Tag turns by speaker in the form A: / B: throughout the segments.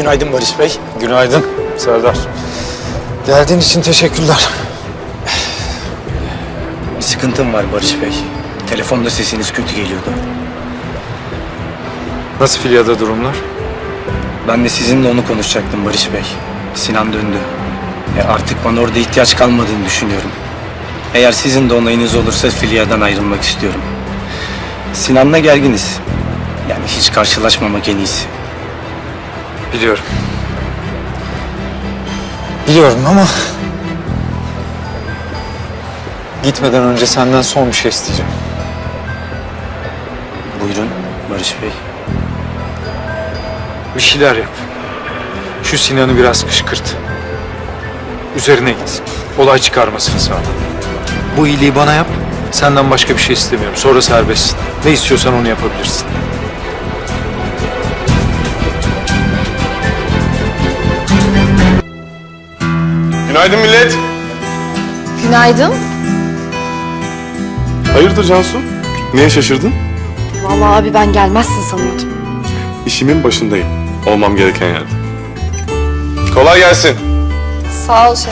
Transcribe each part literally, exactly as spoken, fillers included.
A: Günaydın Barış Bey.
B: Günaydın Serdar.
A: Geldiğin için teşekkürler.
C: Bir sıkıntım var Barış Bey. Telefonda sesiniz kötü geliyordu.
B: Nasıl Filya'da durumlar?
C: Ben de sizinle onu konuşacaktım Barış Bey. Sinan döndü. E artık bana orada ihtiyaç kalmadığını düşünüyorum. Eğer sizin de onayınız olursa Filya'dan ayrılmak istiyorum. Sinan'la gerginiz. Yani hiç karşılaşmamak en iyisi.
B: Biliyorum.
A: Biliyorum ama
B: Gitmeden önce senden son bir şey isteyeceğim.
C: Buyurun Barış Bey.
B: Bir şeyler yap. Şu Sinan'ı biraz kışkırt. Üzerine git. Olay çıkarmasını sağla. Bu iyiliği bana yap. Senden başka bir şey istemiyorum. Sonra serbestsin. Ne istiyorsan onu yapabilirsin.
D: Günaydın millet.
E: Günaydın.
D: Hayırdır Cansu? Niye şaşırdın?
E: Vallahi abi ben gelmezsin sanıyordum.
D: İşimin başındayım. Olmam gereken yerde. Kolay gelsin.
E: Sağ ol şef.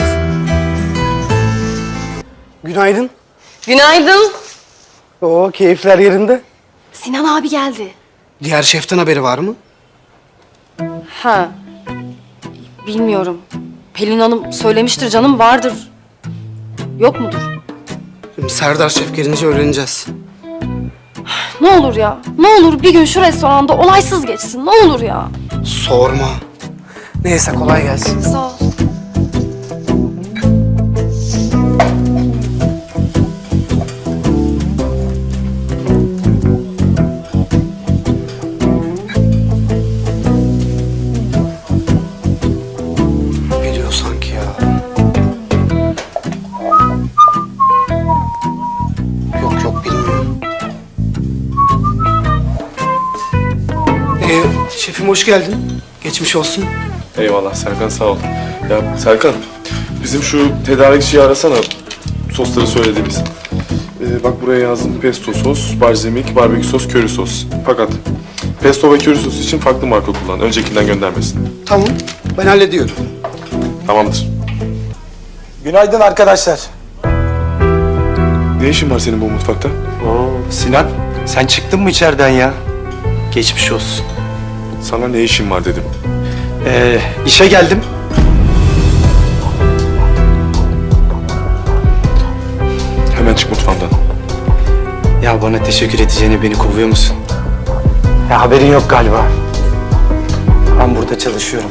F: Günaydın.
E: Günaydın.
F: Oo, keyifler yerinde.
E: Sinan abi geldi.
F: Diğer şeften haberi var mı?
E: Ha. Bilmiyorum. Pelin Hanım söylemiştir canım, vardır. Yok mudur?
F: Şimdi Serdar şef gelince öğreneceğiz.
E: Ne olur ya. Ne olur bir gün şu restoranda olaysız geçsin. Ne olur ya.
F: Sorma. Neyse kolay gelsin.
E: Sağ ol.
F: Biliyor sanki ya. Yok yok bilmiyor. Ee, şefim hoş geldin. Geçmiş olsun.
D: Eyvallah Serkan, sağ ol. Ya Serkan, bizim şu tedarikçiyi arasana. Sosları söylediğimiz. Ee, bak buraya yazdım. Pesto sos, balzamik, barbekü sos, köri sos. Fakat pesto ve köri sos için farklı marka kullan. Öncekinden göndermesin.
F: Tamam ben hallediyorum.
D: Tamamdır.
A: günaydın arkadaşlar.
D: Ne işin var senin bu mutfakta?
C: Oo, Sinan sen çıktın mı içeriden ya? Geçmiş olsun.
D: Sana ne işin var dedim.
C: Ee, işe geldim.
D: Hemen çık mutfağımdan.
C: Ya bana teşekkür edeceğine beni kovuyor musun?
A: Ya haberin yok galiba.
C: Ben burada çalışıyorum.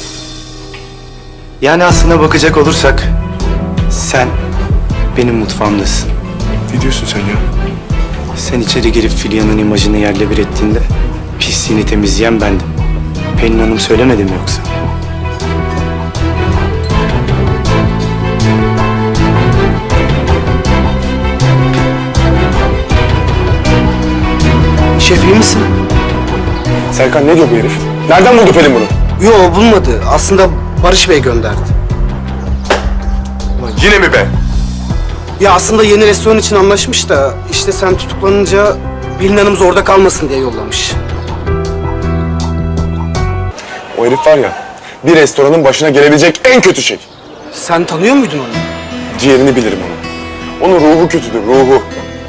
C: Yani aslına bakacak olursak sen benim mutfağımdasın.
D: Ne diyorsun sen ya?
C: Sen içeri girip Filya'nın imajını yerle bir ettiğinde pisliğini temizleyen bendim. Pelin Hanım söylemedi mi yoksa?
F: Şef iyi misin?
D: Serkan ne diyor bu herif? Nereden buldu Pelin bunu?
F: Yo bulmadı. Aslında Barış Bey gönderdi.
D: Ulan yine mi be?
F: Ya aslında yeni restoran için anlaşmış da işte sen tutuklanınca Pelin Hanım zorda kalmasın diye yollamış.
D: O herif var ya, bir restoranın başına gelebilecek en kötü şey.
F: Sen tanıyor muydun onu?
D: Ciğerini bilirim onu. Onun ruhu kötüdür, ruhu.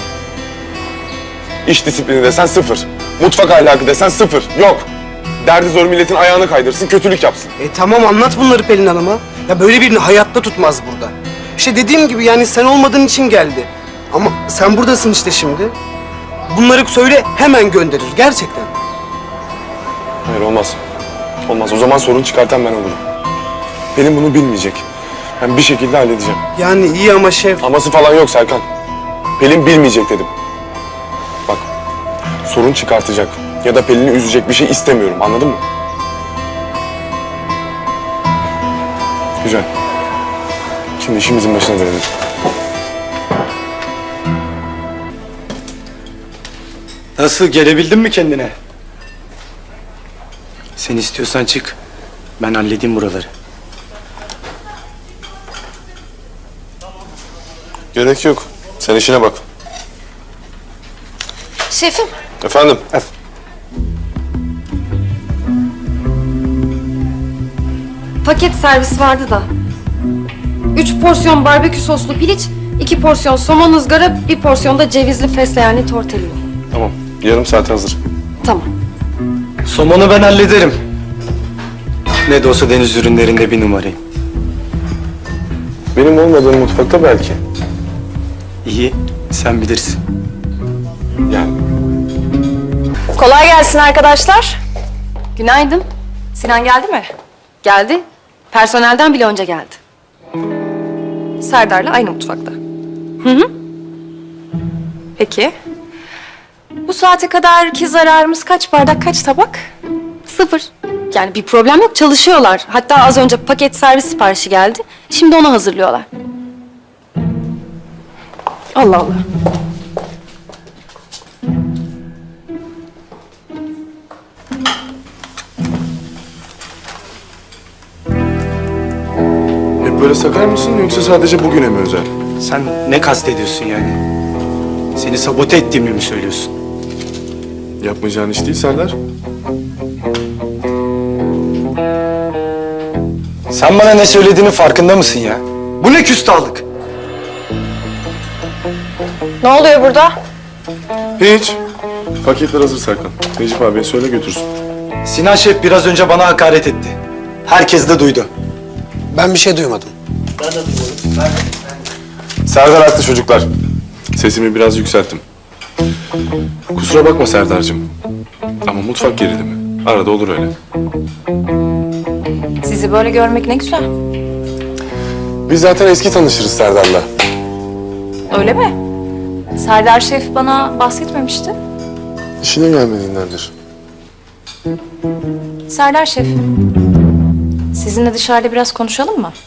D: İş disiplini desen sıfır. Mutfak ahlakı desen sıfır. Yok. Derdi zor milletin ayağını kaydırsın, kötülük yapsın.
F: E tamam anlat bunları Pelin Hanım'a. Ya böyle birini hayatta tutmaz burada. İşte dediğim gibi yani sen olmadığın için geldi. Ama sen buradasın işte şimdi. Bunları söyle hemen gönderir gerçekten.
D: Hayır olmaz. Olmaz. O zaman sorun çıkartan ben olurum. Pelin bunu bilmeyecek. Ben bir şekilde halledeceğim.
F: Yani iyi ama şef.
D: Aması falan yok Serkan. Pelin bilmeyecek dedim. Bak, sorun çıkartacak ya da Pelin'i üzecek bir şey istemiyorum. Anladın mı? Güzel. Şimdi işimizin başına dönelim.
C: Nasıl, gelebildin mi kendine? Sen istiyorsan çık. Ben halledeyim buraları.
D: Gerek yok. Sen işine bak.
E: Şefim.
D: Efendim?
E: paket servis vardı da. Üç porsiyon barbekü soslu piliç, iki porsiyon somon ızgara, bir porsiyon da cevizli fesleğenli tortellini.
D: Tamam. Yarım saat hazır.
E: Tamam.
C: Somonu ben hallederim. Ne de olsa deniz ürünlerinde bir numarayım.
D: Benim olmadığım mutfakta belki.
C: İyi, sen bilirsin.
D: Yani
G: Kolay gelsin arkadaşlar.
E: Günaydın.
G: Sinan geldi mi?
E: Geldi. Personelden bile önce geldi.
G: Serdar'la aynı mutfakta. Hı hı. Peki. Bu saate kadar ki zararımız kaç bardak, kaç tabak?
E: Sıfır. Yani bir problem yok, çalışıyorlar. Hatta az önce paket servis siparişi geldi. Şimdi onu hazırlıyorlar.
G: Allah Allah.
D: hep böyle sakar mısın yoksa sadece bugüne mi özel?
C: Sen ne kastediyorsun yani? Seni sabote ettiğimi mi söylüyorsun?
D: Yapmayacağın iş değil Serdar.
C: Sen bana ne söylediğinin farkında mısın ya? Bu ne küstahlık?
G: Ne oluyor burada?
D: Hiç. Paketler hazır Serkan. Necip abiye söyle götürsün.
C: Sinan Şef biraz önce bana hakaret etti. Herkes de duydu.
F: Ben bir şey duymadım.
D: Serdar haklı çocuklar. Sesimi biraz yükselttim. Kusura bakma Serdar'cığım. Ama mutfak gerilimi. Arada olur öyle.
G: Sizi böyle görmek ne güzel.
D: Biz zaten eski tanışırız Serdar'la.
G: Öyle mi? Serdar Şef bana bahsetmemişti.
D: İşine gelmediğindendir.
G: Serdar Şef, sizinle dışarıda biraz konuşalım mı?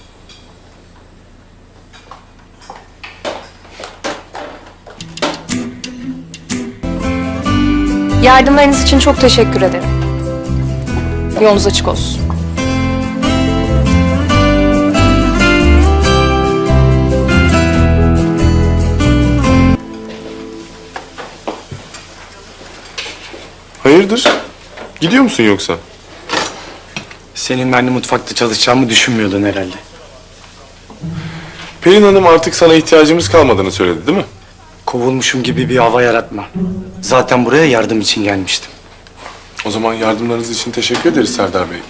G: Yardımlarınız için çok teşekkür ederim. Yolunuz açık olsun.
D: Hayırdır? Gidiyor musun yoksa?
C: Seninle aynı mutfakta çalışacağımı düşünmüyordun herhalde.
D: Pelin Hanım artık sana ihtiyacımız kalmadığını söyledi değil mi?
C: Kovulmuşum gibi bir hava yaratma. Zaten buraya yardım için gelmiştim.
D: O zaman yardımlarınız için teşekkür ederiz Serdar Bey.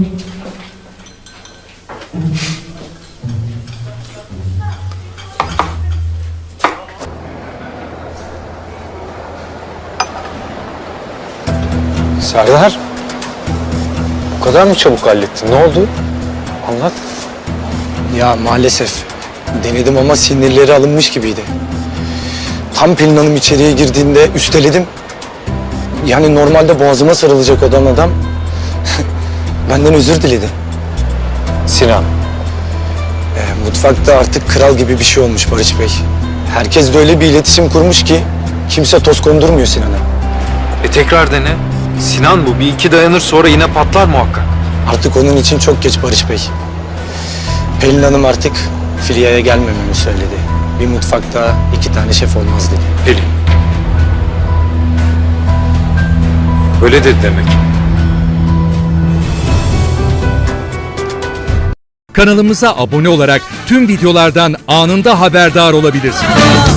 A: Serdar. Bu kadar mı çabuk hallettin? Ne oldu? Anlat.
C: Ya maalesef. Denedim ama sinirleri alınmış gibiydi. Tam Pelin Hanım içeriye girdiğinde üsteledim. Yani normalde boğazıma sarılacak olan adam benden özür diledi.
A: Sinan.
C: Ee, mutfakta artık kral gibi bir şey olmuş Barış Bey. Herkes de öyle bir iletişim kurmuş ki kimse toz kondurmuyor Sinan'a.
B: E tekrar dene. Sinan bu. Bir iki dayanır sonra yine patlar muhakkak.
C: Artık onun için çok geç Barış Bey. Pelin Hanım artık Filya'ya gelmememi söyledi. Bir mutfakta iki tane şef olmaz dedi.
B: Pelin. Öyle dedi demek.
H: Kanalımıza abone olarak tüm videolardan anında haberdar olabilirsiniz.